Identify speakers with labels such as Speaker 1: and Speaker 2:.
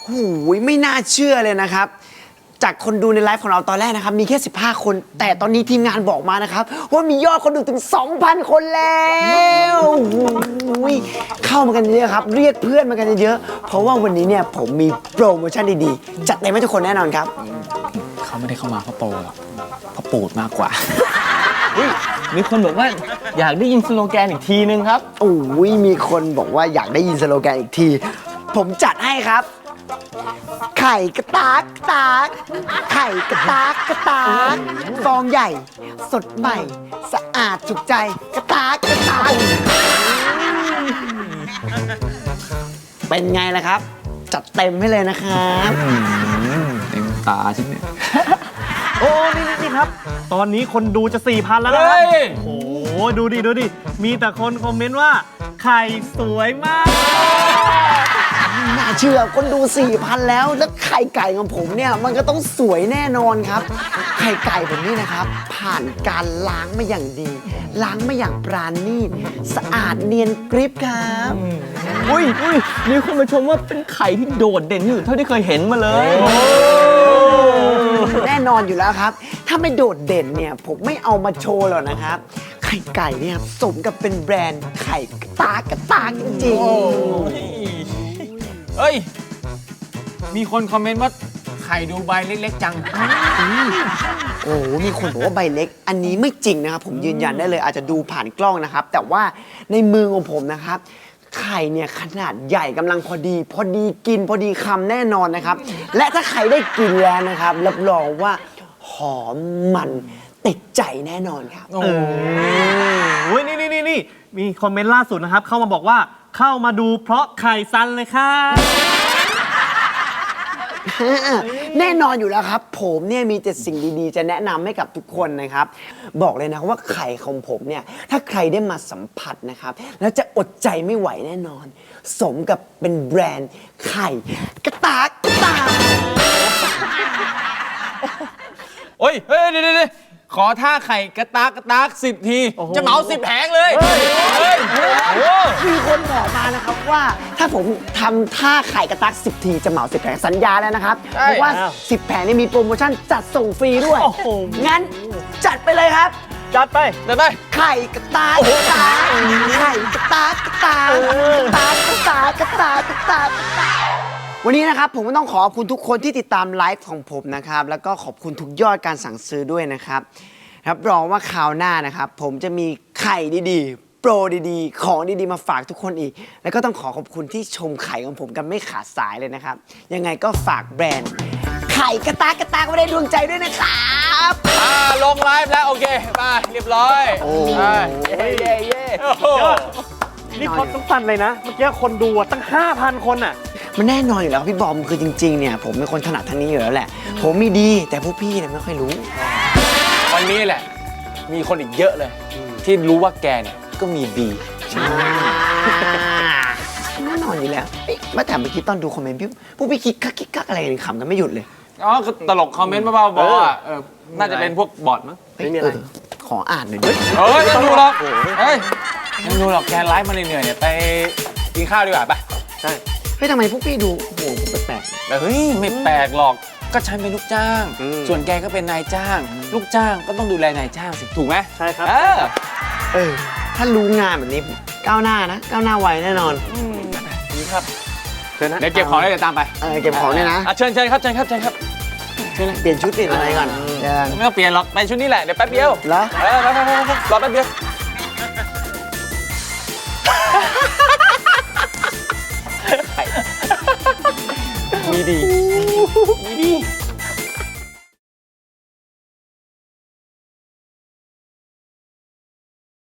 Speaker 1: หูยไม่น่าเชื่อเลยนะครับจากคนดูในไลฟ์ของเราตอนแรกนะครับมีแค่15 คนแต่ตอนนี้ทีมงานบอกมานะครับว่ามียอดคนดูถึง 2,000 คนแล้วหูยเข้ามากันเยอะครับเรียกเพื่อนมากันเยอะเพราะว่าวันนี้เนี่ยผมมีโปรโมชั่นดีๆจัดเต็มให้ทุกคนแน่นอนครับ
Speaker 2: เขาไม่ได้เข้ามาเพราะโปรหรอกเพราะปูดมากกว่ามีคนบอกว่าอยากได้ยินสโลแกนอีกทีนึงครับ
Speaker 1: โอ้ยมีคนบอกว่าอยากได้ยินสโลแกนอีกทีผมจัดให้ครับไข่กระตากกระตากไข่กระตากกระตากฟองใหญ่สดใหม่สะอาดถูกใจกระตากกระตากเป็นไงล่ะครับจัดเต็มให้เลยนะครับ
Speaker 2: เต็มตาฉันเนี่ย
Speaker 3: โอ้นี่ครับ ตอนนี้คนดูจะ 4,000 แล้วนะครับโอ้โหดูดิมีแต่คนคอมเมนต์ว่าไข่สวยมาก
Speaker 1: น่าเชื่อคนดู 4,000 แล้วไข่ไก่ของผมเนี่ยมันก็ต้องสวยแน่นอนครับไข่ไก่ผมนี่นะครับผ่านการล้างมาอย่างดี ล้างมาอย่างปราณีตสะอาดเนียนกริบครับ
Speaker 2: อุ้ยมีคนมาชมว่าเป็นไข่ที่โดดเด่นที่สุดเท่าที่เคยเห็นมาเลย
Speaker 1: แน่นอนอยู่แล้วครับ ถ้าไม่โดดเด่นเนี่ยผมไม่เอามาโชว์หรอกนะครับไข่ไก่เนี่ยสมกับเป็นแบรนด์ไข่กระตากกระตากจริงๆ
Speaker 4: เฮ้ย มีคนคอมเมนต์ว่าไข่ดูใบเล็กๆจัง
Speaker 1: โอ้โหมีคนบอกว่าใบเล็ก อันนี้ไม่จริงนะครับผมยืนยันได้เลยอาจจะดูผ่านกล้องนะครับ แต่ว่าในมือของผมนะครับ ไข่เนี่ยขนาดใหญ่กำลังพอดีกินพอดีคำแน่นอนนะครับ และถ้าใครได้กินแล้วนะครับรับรองว่าหอมมันติดใจแน่นอนครับ
Speaker 3: โอ้ยนี่มีคอมเมนต์ล่าสุดนะครับ เข้ามาบอกว่าเข้ามาดูเพราะไข่ซันเลยค่ะ
Speaker 1: แน่นอนอยู่แล้วครับ ผมเนี่ยมีแต่สิ่งดีๆ จะแนะนำให้กับทุกคนนะครับ บอกเลยนะว่าไข่ของผมเนี่ยถ้าใครได้มาสัมผัสนะครับ แล้วจะอดใจไม่ไหวแน่นอน สมกับเป็นแบรนด์ไข่กระตากกระตาก
Speaker 4: โอ้ย เฮ้ยเดี๋ยวขอท่าไข่กระตาก10 ที จะเหมา10 แผงเลยเฮ้ย
Speaker 1: มีคนบอกมานะครับว่าถ้าผมทำท่าไข่กระตาก10 ทีจะเหมา10 แผงสัญญาแล้วนะครับเพราะว่า10 แผงนี่มีโปรโมชั่นจัดส่งฟรีด้วย
Speaker 3: โอ้โห
Speaker 1: งั้นจัดไปเลยครับ
Speaker 3: จัดไป
Speaker 4: เดี๋ยวไป
Speaker 1: ไข่กระตากกระตากไข่กระตากกระตากกระตากกระตากกระตากกระตากวันนี้นะครับผมก็ต้องขอบคุณทุกคนที่ติดตามไลฟ์ของผมนะครับแล้วก็ขอบคุณทุกยอดการสั่งซื้อด้วยนะครับรับรองว่าคราวหน้านะครับผมจะมีไข่ดีๆโปรดีๆของดีๆมาฝากทุกคนอีก แล้วก็ต้องขอบคุณที่ชมไข่ของผมกันไม่ขาดสายเลยนะครับยังไงก็ฝากแบรนด์ไข่กระตากกระตากไว้ในดวงใจด้วยนะครับ
Speaker 4: ลงไลฟ์แล้ว โอเคมาเรียบร้อย
Speaker 1: โอ้
Speaker 4: ไปเย้โอ้โห
Speaker 3: นี่พอต้องสั่นเลยนะ เมื่อกี้คนดูอะตั้ง 5,000 คนอ่ะ
Speaker 1: มันแน่นอนอยู่แล้วพี่บอมคือจริงๆเนี่ยผมเป็นคนถนัดทางนี้อยู่แล้วแหละ ผมมีดีแต่พวกพี่เนี่ยไม่ค่อยรู้
Speaker 4: วันนี้แหละ มีคนอีกเยอะเลย ที่รู้ว่าแกเนี่ยก็มีดี
Speaker 1: แน่นอนอยู่แล้วเอ๊ะเมื่อแต่เมื่อกี้ตอนดูคอมเมนต์พวกพี่คิกคักอะไรกันขำกันไม่หยุดเลย
Speaker 4: อ๋อก็ตลกคอมเมนต์บ้าๆบอๆอ่ะน่าจะเป็นพวกบอทมั้ง
Speaker 1: เฮ้ยขออ่านหน่อยดิ
Speaker 4: เฮ้ยไม่ต้องดูหรอกเฮ้ยไม่ดูหรอกแกไลฟ์มาเหนื่อยๆเนี่ยไปกินข้าวดีกว่าไป
Speaker 3: ใช่
Speaker 1: เฮ้ยทำไมพวกพี่ดูโอ้โหแปลก
Speaker 4: แต่เฮ้ยไม่แปลกหรอกก็ฉันเป็นลูกจ้าง ส่วนแกก็เป็นนายจ้าง ลูกจ้างก็ต้องดูแลนายจ้างสิถูกไหม
Speaker 3: ใช่ครับ
Speaker 1: ถ้ารู้งานแบบนี้ก้าวหน้านะก้าวหน้าไวแน่นอน
Speaker 4: นี่ครับ
Speaker 3: เชิญนะ
Speaker 4: เดี๋ยวเก็บของแล้วเดี๋ยวตามไป
Speaker 1: เก็บของเนี่ยนะ
Speaker 4: เชิญครับเชิญครับ
Speaker 1: เปลี่ยนชุดเปลี่ยนอะไรก่อนเดิน
Speaker 4: ไม่ต้องเปลี่ยนหรอกไปชุดนี้แหละเดี๋ยวแป๊บเดียว
Speaker 1: เหรอ
Speaker 4: ไปรอแป๊บเดียวมีดี